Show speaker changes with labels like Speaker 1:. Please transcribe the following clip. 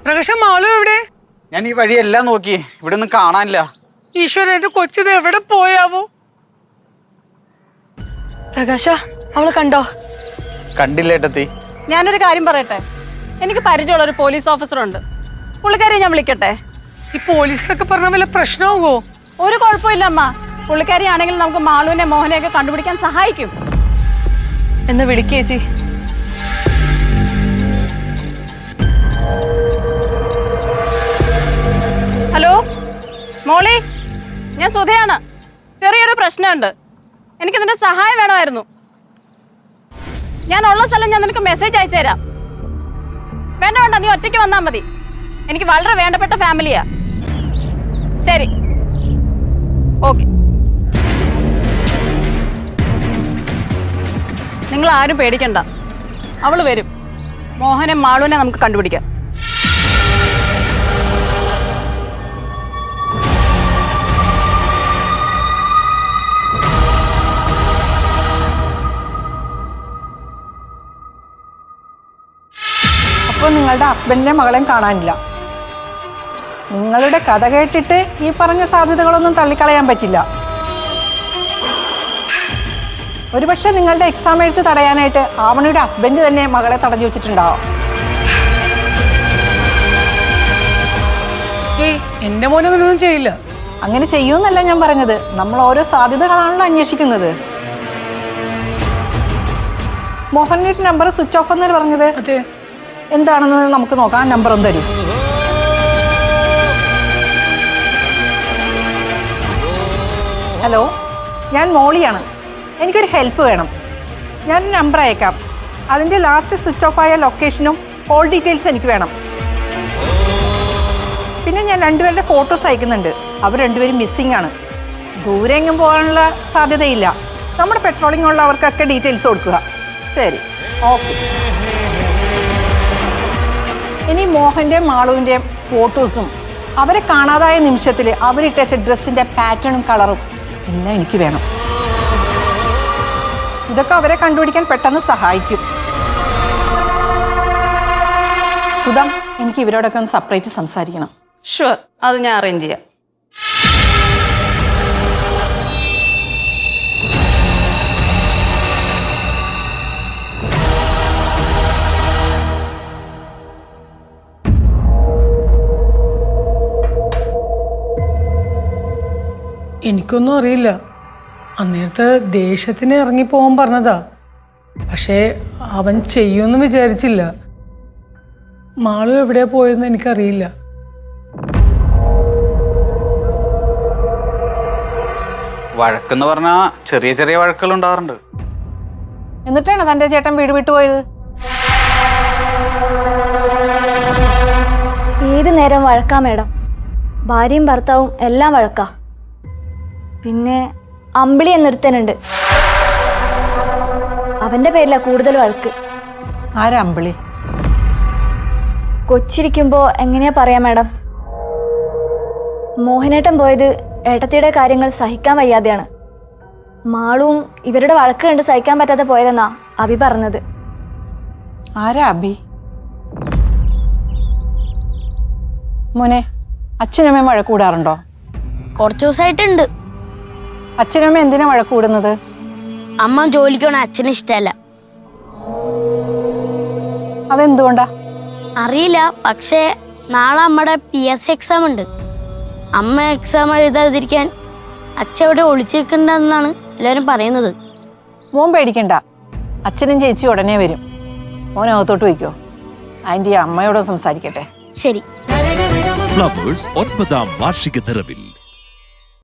Speaker 1: പ്രകാശം മാളു എവിടെ?
Speaker 2: ഞാൻ ഈ വഴിയെല്ലാം നോക്കി, ഇവിടെ ഒന്നും കാണാനില്ല.
Speaker 1: ഈശ്വരൻ, എന്റെ കൊച്ചിത് എവിടെ പോയാവോ?
Speaker 3: പ്രകാശ, അവളെ കണ്ടോ?
Speaker 2: കണ്ടില്ല ഏട്ടത്തി.
Speaker 4: ഞാനൊരു കാര്യം പറയട്ടെ, എനിക്ക് പരിചയമുള്ള ഒരു പോലീസ് ഓഫീസർ ഉണ്ട്. പുള്ളിക്കാരിയെ ഞാൻ വിളിക്കട്ടെ?
Speaker 1: ഈ പോലീസ് എന്നൊക്കെ പറഞ്ഞ വല്ല പ്രശ്നമാവോ?
Speaker 4: ഒരു കുഴപ്പമില്ല അമ്മ. പുള്ളിക്കാരി ആണെങ്കിൽ നമുക്ക് മാളുവിനെ മോഹനെയൊക്കെ കണ്ടുപിടിക്കാൻ സഹായിക്കും.
Speaker 3: എന്ന് വിളിക്കേച്ചി.
Speaker 4: ഹലോ മോളി, ഞാൻ സുധയാണ്. ചെറിയൊരു പ്രശ്നമുണ്ട്, എനിക്ക് നിന്റെ സഹായം വേണമായിരുന്നു. ഞാൻ ഉള്ള സ്ഥലം ഞാൻ നിനക്ക് മെസ്സേജ് അയച്ചു തരാം. വേണ്ട വേണ്ട, നീ ഒറ്റയ്ക്ക് വന്നാൽ മതി. എനിക്ക് വളരെ വേണ്ടപ്പെട്ട ഫാമിലിയാ. ശരി, ഓക്കെ. നിങ്ങൾ ആരും പേടിക്കണ്ട, അവള് വരും. മോഹനെ മാളുവിനെ നമുക്ക് കണ്ടുപിടിക്കാം.
Speaker 5: അപ്പോൾ നിങ്ങളുടെ ഹസ്ബൻഡിനെ മകളെയും കാണാനില്ല. നിങ്ങളുടെ കഥ കേട്ടിട്ട് ഈ പറഞ്ഞ സാധ്യതകളൊന്നും തള്ളിക്കളയാൻ പറ്റില്ല. ഒരുപക്ഷെ നിങ്ങളുടെ എക്സാം എഴുത്ത് തടയാനായിട്ട് ആവണിയുടെ ഹസ്ബൻഡ് തന്നെ മകളെ തടഞ്ഞു വെച്ചിട്ടുണ്ടാവും.
Speaker 1: എന്റെ മോനൊന്നും ചെയ്യില്ല.
Speaker 5: അങ്ങനെ ചെയ്യുമെന്നല്ല ഞാൻ പറഞ്ഞത്, നമ്മൾ ഓരോ സാധ്യതകളാണല്ലോ അന്വേഷിക്കുന്നത്. മോഹൻ്റെ നമ്പർ സ്വിച്ച് ഓഫ് എന്നല്ലേ പറഞ്ഞത്?
Speaker 1: അതെ.
Speaker 5: എന്താണെന്ന് നമുക്ക് നോക്കാം. ആ നമ്പർ ഒന്ന് തരൂ. ഹലോ, ഞാൻ മോളിയാണ്. എനിക്കൊരു ഹെൽപ്പ് വേണം. ഞാൻ നമ്പർ അയക്കാം. അതിൻ്റെ ലാസ്റ്റ് സ്വിച്ച് ഓഫ് ആയ ലൊക്കേഷനും കോൾ ഡീറ്റെയിൽസ് എനിക്ക് വേണം. പിന്നെ ഞാൻ രണ്ടുപേരുടെ ഫോട്ടോസ് അയക്കുന്നുണ്ട്. അവർ രണ്ടുപേരും മിസ്സിംഗ് ആണ്. ദൂരെ എങ്ങും പോകാനുള്ള സാധ്യതയില്ല. നമ്മുടെ പെട്രോളിംഗ് ഉള്ളവർക്കൊക്കെ ഡീറ്റെയിൽസ് കൊടുക്കുക. ശരി, ഓക്കെ. ഇനി മോഹൻ്റെ മാളുവിൻ്റെ ഫോട്ടോസും അവരെ കാണാതായ നിമിഷത്തിൽ അവരിട്ടച്ച ഡ്രസ്സിൻ്റെ പാറ്റേണും കളറും എല്ലാം എനിക്ക് വേണം. ഇതൊക്കെ അവരെ കണ്ടുപിടിക്കാൻ പെട്ടെന്ന് സഹായിക്കും. സുധ, എനിക്ക് ഇവരോടൊക്കെ ഒന്ന് സെപ്പറേറ്റ് സംസാരിക്കണം.
Speaker 4: ഷുവർ, അത് ഞാൻ അറേഞ്ച് ചെയ്യാം.
Speaker 1: എനിക്കൊന്നും അറിയില്ല. അന്നേരത്തെ ദേഷ്യത്തിന് ഇറങ്ങിപ്പോവാൻ പറഞ്ഞതാ. പക്ഷേ അവൻ ചെയ്യുമെന്ന് വിചാരിച്ചില്ല. മാളു എവിടെയാ പോയെന്ന് എനിക്കറിയില്ല.
Speaker 2: വഴക്കെന്ന് പറഞ്ഞാ ചെറിയ ചെറിയ വഴക്കുകൾ ഉണ്ടാവാറുണ്ട്.
Speaker 5: എന്നിട്ടാണ് തൻ്റെ ചേട്ടൻ വീട് വിട്ടു പോയത്?
Speaker 6: ഏത് നേരം വഴക്കാ മേഡം. ഭാര്യയും ഭർത്താവും എല്ലാം വഴക്കാ. പിന്നെ അമ്പിളി എന്നൊരുത്തനുണ്ട്, അവന്റെ പേരിലാ കൂടുതൽ വഴക്ക്.
Speaker 5: ആരാ അമ്പിളി?
Speaker 6: കൊച്ചിരിക്കുമ്പോ എങ്ങനെയാ പറയാ മേഡം. മോഹനേട്ടൻ പോയത് ഏട്ടത്തിയുടെ കാര്യങ്ങൾ സഹിക്കാൻ വയ്യാതെയാണ്. മാളുവും ഇവരുടെ വഴക്ക് കണ്ട് സഹിക്കാൻ പറ്റാതെ പോയതെന്നാ അബി പറഞ്ഞത്.
Speaker 5: ആരാ അബി? മോനെ, അച്ഛനമ്മയും വഴക്ക് കൂടാറുണ്ടോ?
Speaker 7: കുറച്ചു ദിവസമായിട്ടുണ്ട്.
Speaker 5: അച്ഛനമ്മ എന്തിനാ വഴക്ക് കൂടുന്നത്?
Speaker 7: അമ്മ ജോലിക്ക് പോണ അച്ഛന് ഇഷ്ടമല്ല.
Speaker 5: അതെന്തുകൊണ്ടാ
Speaker 7: അറിയില്ല, പക്ഷേ നാളെ അമ്മയുടെ PSC എക്സാം ഉണ്ട്. അമ്മ എക്സാം എഴുതാതിരിക്കാൻ അച്ഛൻ ഇവിടെ ഒളിച്ചിരിക്കണ്ടെന്നാണ് എല്ലാവരും പറയുന്നത്.
Speaker 5: മോൻ പേടിക്കണ്ട, അച്ഛനും ചേച്ചിയും ഉടനെ വരും. മോൻ അകത്തോട്ട് വയ്ക്കോ. അതിൻ്റെ അമ്മയോട് സംസാരിക്കട്ടെ.
Speaker 7: ശരി.
Speaker 8: ഫ്ലവേഴ്സ് 9ാം വാർഷിക നിറവിൽ